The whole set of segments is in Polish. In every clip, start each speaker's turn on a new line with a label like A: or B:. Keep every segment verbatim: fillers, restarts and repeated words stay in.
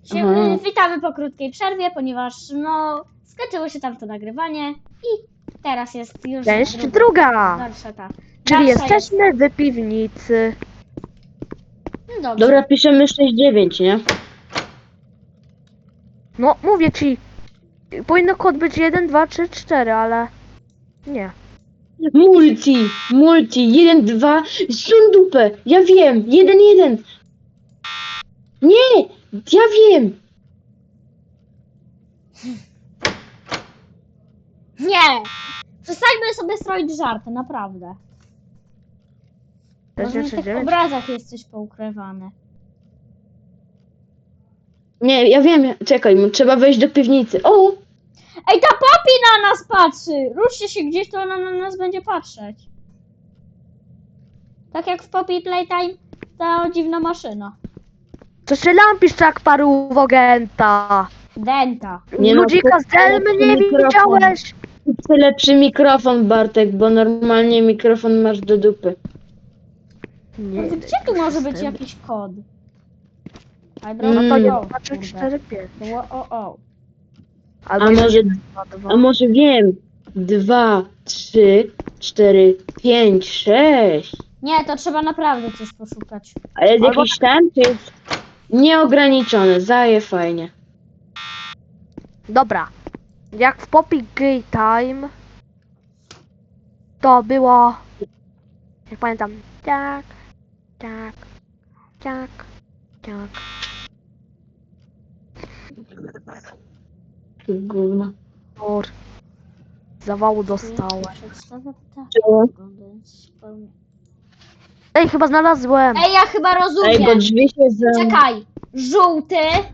A: Sie-
B: Aha.
A: Witamy po krótkiej przerwie, ponieważ no skończyło się tam to nagrywanie i teraz jest już
C: Część
A: druga.
C: druga.
A: Dalsza ta.
C: Czyli
A: Dalsza
C: jesteśmy
A: jest...
C: w piwnicy.
A: No dobrze.
B: Dobra, piszemy sześć dziewięć, nie?
C: No, mówię ci. Powinno kod być jeden, dwa, trzy, cztery, ale... Nie.
B: Multi, multi, jeden, dwa, sun dupę, ja wiem, jeden, jeden. Nie, ja wiem.
A: Nie! Przestańmy sobie stroić żarty, naprawdę.
C: Sześć,
A: Może na
C: sześć,
A: tych
C: dziewięć.
A: obrazach jest coś poukrywane.
B: Nie, ja wiem, czekaj, trzeba wejść do piwnicy. O,
A: Ej, ta Poppy na nas patrzy! Ruszcie się gdzieś, to ona na nas będzie patrzeć. Tak jak w Poppy Playtime, ta dziwna maszyna.
C: Co się lampisz jak parówogenta?
A: Denta.
B: Nie no,
C: Ludzika z
B: to-
C: Delmy nie
B: mikrofon.
C: widziałeś?
B: chcę lepszy mikrofon, Bartek, bo normalnie mikrofon masz do dupy.
C: Nie.
A: Gdzie tu może być jakiś kod? A
B: Mm.
C: No to
A: o,
C: jeden, dwa, trzy,
A: kurde.
C: cztery, pięć.
A: O, o, o.
C: Albo
B: A może,
C: jeden, dwa, dwa.
B: a może wiem, dwa, trzy, cztery, pięć, sześć.
A: Nie, to trzeba naprawdę coś poszukać.
B: A jest
C: Albo-
B: jakiś ten, czy jest nieograniczony, zaje fajnie.
C: Dobra. Jak w Poppy Gay Time to było, jak pamiętam, tak, tak, tak, tak.
B: Gówno.
C: Or. Zawału dostałem.
A: Przedstawia ptaka.
B: Czemu?
C: Ej, chyba znalazłem.
A: Ej, ja chyba
B: Ej, bo
A: rozumiem.
B: drzwi się za...
A: Czekaj. Żółty,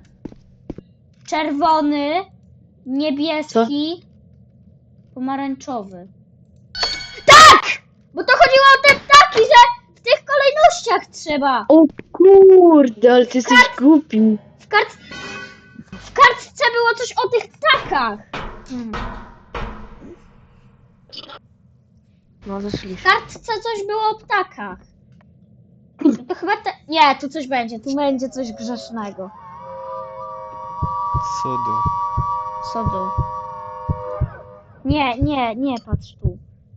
A: czerwony, niebieski, pomarańczowy. Tak! Bo to chodziło o te ptaki, że w tych kolejnościach trzeba.
B: O kurde, ale ty jesteś głupi.
A: W, kart... w kartce było coś o tych ptakach. Hmm.
C: No,
A: W
C: zeszliśmy.
A: kartce coś było o ptakach. To chyba te... Nie, tu coś będzie, tu będzie coś grzesznego.
D: Co do?
A: Co do? Nie, nie, nie patrz tu.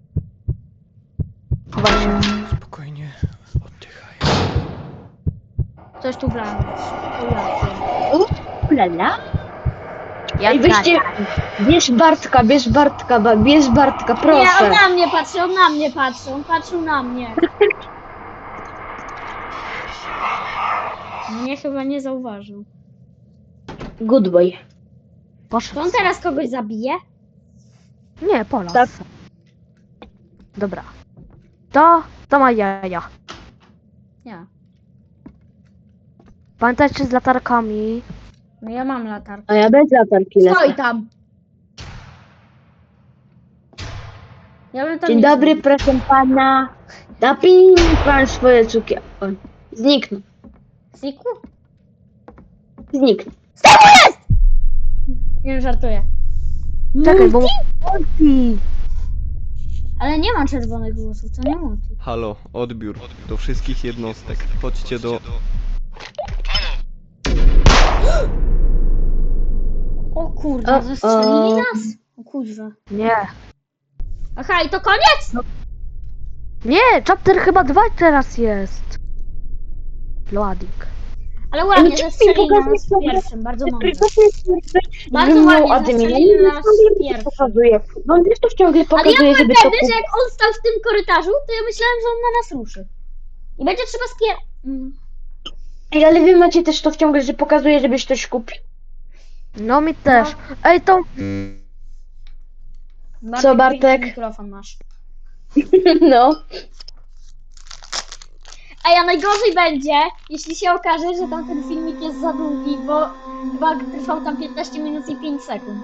C: Chyba się.
D: Spokojnie, oddychaj.
A: Coś tu wlano. O ja
B: Lala?
C: Ja
B: Ej, weźcie, bierz Bartka, bierz Bartka, ba- bierz Bartka,
A: Nie, on
B: proszę.
A: na mnie patrzy, on na mnie patrzy, on patrzył na mnie. Mnie chyba nie zauważył.
B: Good boy.
A: To
C: Poszedł.
A: on teraz kogoś zabije?
C: Nie, Polas.
B: Tak.
C: Dobra. To, to ma jaja.
A: Nie.
C: Pamiętajcie z latarkami.
A: No ja mam latarkę.
B: A ja bez latarki
A: Stoi
B: lecę.
A: tam. Ja bym tam
B: Dzień
A: nie
B: dobry,
A: szedł.
B: proszę pana. Napij pan swoje cukierki. Oj, zniknął,
A: Znikł?
B: zniknął.
A: Nie wiem, żartuję.
C: Czekaj, bo... Multi!
A: Ale nie ma czerwonych włosów, to nie multi.
D: Halo, odbiór do wszystkich jednostek. Chodźcie do...
A: O kurde,
B: O,
A: zastrzelili
B: o.
A: nas? O kuźwa.
C: Nie.
A: Aha, i to koniec?
C: Nie, chapter chyba dwa teraz jest. Loading.
A: Ale ładnie,
B: Ej,
A: zastrzelili
B: pokazuj
A: nas w
B: sobie.
A: pierwszym, bardzo mądrze.
B: Bardzo
A: Bardzo ładnie
B: admin.
A: zastrzelili
B: Ja nie
A: nas
B: wiem,
A: w pierwszym.
B: pokazuje. No on też to ciągle
A: Ale ja
B: pokazuje,
A: byłem
B: żeby to...
A: pewny, że jak on stał w tym korytarzu, to ja myślałem, że on na nas ruszy. I będzie trzeba spier... Mm.
B: Ej, ale wy macie też to ciągle, że pokazuje, żebyś coś kupił.
C: No mi też. Ej, to...
A: Bartek,
B: Co, Bartek?
A: Mikrofon masz.
B: No.
A: Ej, a najgorzej będzie, jeśli się okaże, że tamten filmik jest za długi, bo chyba trwał tam piętnaście minut i pięć sekund.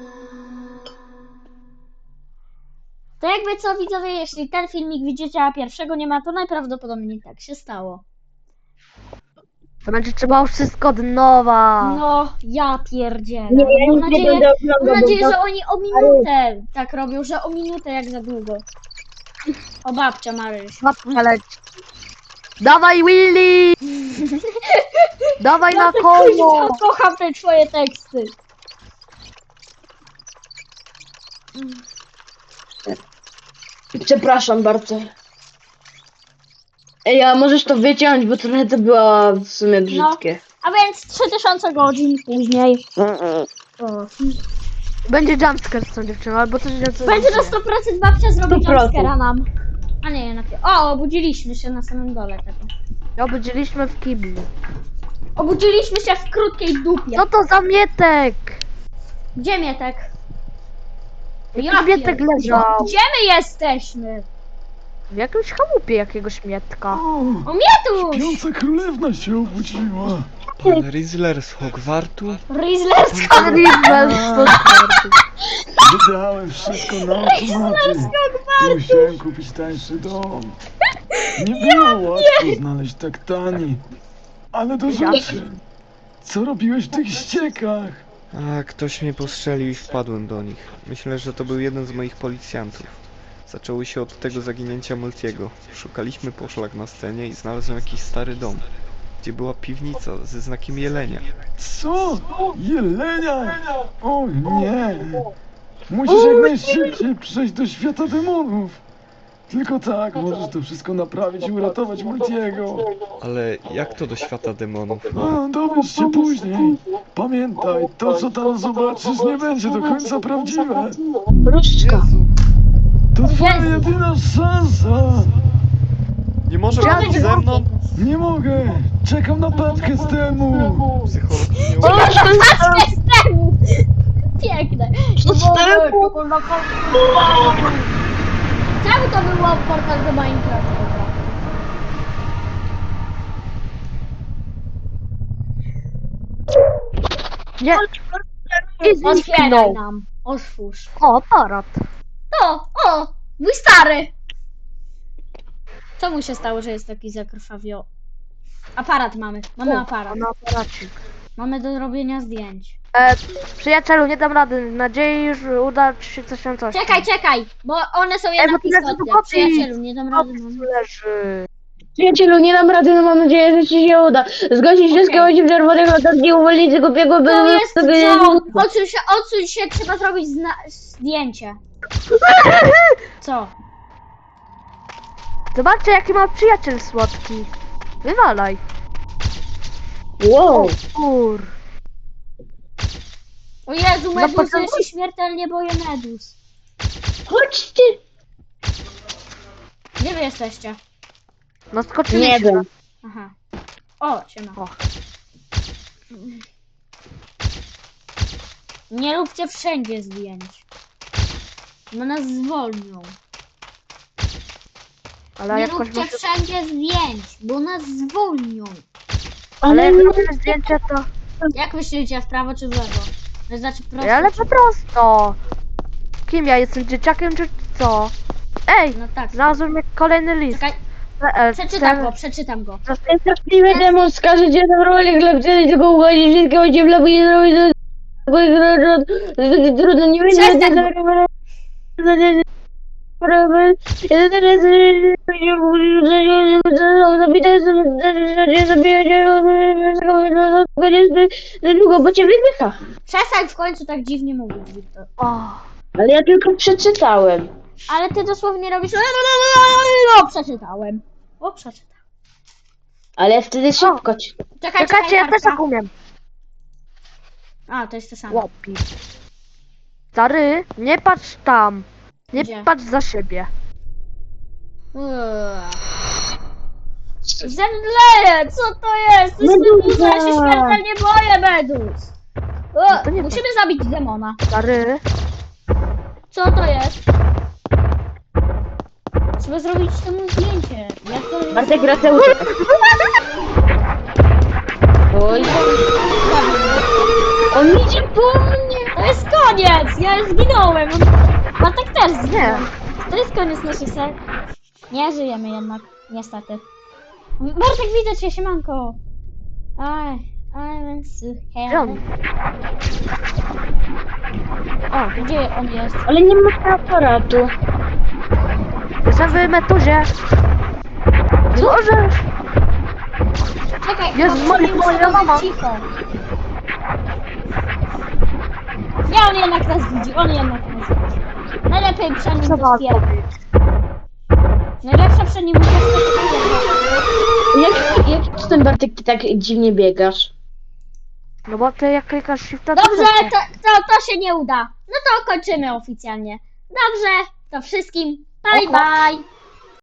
A: To jakby co, widzowie, jeśli ten filmik widzicie, a pierwszego nie ma, to najprawdopodobniej tak się stało.
C: To będzie trzeba wszystko od nowa.
A: No, ja pierdzielę.
B: Nie, ja
A: Mam
B: nic nie
A: nadzieję,
B: będę
A: mam
B: oglądał,
A: nadzieję,
B: bo
A: że oni o minutę tak robią, że o minutę jak za długo. O babcia Maryś.
C: Babcia leci. Dawaj Willy! Dawaj na
A: Bartek,
C: koło!
A: kuźwa, kocham te twoje teksty.
B: Przepraszam bardzo. Ej, a możesz to wyciąć, bo trochę to było w sumie brzydkie.
A: A więc trzy tysiące godzin później. O.
C: Będzie jumpscare z tą dziewczyną, albo coś więcej.
A: Będzie na sto procent babcia zrobi
B: sto procent.
A: jumpscare'a nam. A nie, na pie- O, obudziliśmy się na samym dole tego.
C: Obudziliśmy w kiblu.
A: Obudziliśmy się w krótkiej dupie.
C: Co to za mietek?
A: Gdzie Mietek?
C: Jaki mietek
A: pier-
C: leżał?
A: Gdzie my jesteśmy?
C: W jakimś chałupie jakiegoś mietka.
E: O,
A: O, Mietuś!
E: śpiąca królewna się obudziła.
D: Pan Rizzler z Hogwartu?
A: Rizzlerska.
E: Wydałem wszystko na automaty i musiałem kupić tańszy dom. Nie było łatwo znaleźć tak tani. Ale do rzeczy. Co robiłeś w tych ściekach?
D: A, ktoś mnie postrzelił i wpadłem do nich. Myślę, że to był jeden z moich policjantów. Zaczęło się od tego zaginięcia Multiego. Szukaliśmy poszlak na scenie i znalazłem jakiś stary dom, gdzie była piwnica ze znakiem jelenia.
E: Co? Jelenia? O nie! Musisz jak najszybciej przejść do świata demonów. Tylko tak możesz to wszystko naprawić i uratować Multiego.
D: Ale jak to do świata demonów?
E: A, dowiesz się później. Pamiętaj, to co tam zobaczysz nie będzie do końca prawdziwe.
B: Różdżka.
E: To twoja jedyna szansa.
D: Nie może być ze mną?
E: Nie mogę. Czekam na paczkę z temu.
D: Psycholog mnie
B: O,
D: uczy.
B: to jest
A: Patrzcie z temu! Piękne.
B: To z temu?
A: Czemu to było portal do Minecrafta?
C: Nie. I
A: Otwieraj
C: zniknął.
A: nam. Otwórz.
C: O, aparat.
A: O, o! Mój stary! Co mu się stało, że jest taki zakrwawio? Aparat mamy. Mamy aparat.
C: Na aparacik.
A: Mamy do robienia zdjęć.
C: E, przyjacielu, nie dam rady. Mam nadzieję, że uda ci się coś tam coś.
A: Czekaj, czekaj! Bo one są
C: Ej,
A: jednak
C: bo tu leży
A: istotne.
C: długopis.
A: Przyjacielu, nie dam rady.
C: Opis
A: Mam...
C: tu leży.
B: Przyjacielu, nie dam rady, no mam nadzieję, że ci się uda. Zgłosić wszystkie
A: Okej.
B: ludzi w czerwonych latach i uwolnić tego głupiego
A: To jest co? Odsuń się, odsuń się, trzeba zrobić zna- zdjęcie. Co?
C: Zobaczcie, jaki ma przyjaciel słodki. Wywalaj.
B: Wow.
C: Kur.
A: O Jezu, Medus,
C: potem-
A: ja się śmiertelnie boję Medus.
B: Chodźcie.
A: Gdzie wy jesteście?
C: No skoczyliśmy.
B: Nie wiem.
A: Aha. O, siema.
C: O.
A: Nie róbcie wszędzie zdjęć. Bo nas zwolnią.
C: Ale
A: Nie
C: jakoś
A: róbcie
C: muszę...
A: wszędzie zdjęć, bo nas zwolnią.
C: Ale
B: Ale
C: jak
B: no,
C: robię zdjęcie, to...
A: Jak myślicie, w prawo czy w lewo? To znaczy prosto.
C: Ale
A: czy-
C: po prostu. Kim ja jestem? Dzieciakiem czy co? Ej!
A: No tak.
C: Znalazłem kolejny list.
A: Czekaj,
C: E, e,
A: przeczytam
C: ten-
A: go, przeczytam go.
B: ten straszliwy demon skaże cię zabronić chleb, tylko uwolnić wszystkie ludzi w lewo i zrobić to... Trudno, nie będzie... Długo, bo cię wypycha.
A: Przestań w końcu tak dziwnie mówić, Wiktor.
C: O,
B: Ale ja tylko przeczytałem.
A: Ale ty dosłownie robisz... No, przeczytałem. O, przeczytałem.
B: Ale ja wtedy szybko ci...
A: Czekaj,
C: czekajcie, ja
A: czekaj,
C: też tak
A: kartka.
C: umiem.
A: A, to jest to samo.
C: Łopi. Stary, nie patrz tam. Nie
A: Gdzie?
C: patrz za siebie.
A: Uuu. Zemdleję! Co to jest? To jest
B: Meduza!
A: Meduza, ja się śmiertelnie boję, Medus! O,
C: No to nie
A: musimy zabić demona.
C: Stary,
A: Co to jest? Trzeba zrobić temu zdjęcie. Jak to jest?
B: Bartek wraca ucieka. Oj, on idzie po mnie.
A: To jest koniec! Ja zginąłem! Bartek też
C: nie.
A: zginął. To jest koniec naszej serii. Nie żyjemy jednak, niestety. Bartek, widzę cię, siemanko! Aj, I'm so
C: Gdzie on?
A: O, gdzie on jest?
B: Ale nie ma aparatu.
C: Jestem w metuzie. Możesz.
A: Czekaj,
C: Jezu,
A: bo
C: moja-
A: muszę
C: moja mama.
A: być cicho. Nie, on jednak nas widzi, on jednak nas widzi. Najlepiej przy nim
C: Co
A: to
C: ma
A: stwierdzić.
C: powiedzieć?
A: Najlepsze przy nim to stwierdzić.
B: Jak, jak ten Bartek ty tak dziwnie biegasz?
C: No bo ty jak klikasz shifta, to
A: Dobrze,
C: też nie.
A: to, to, to się nie uda. No to kończymy oficjalnie. Dobrze, to wszystkim bye bye.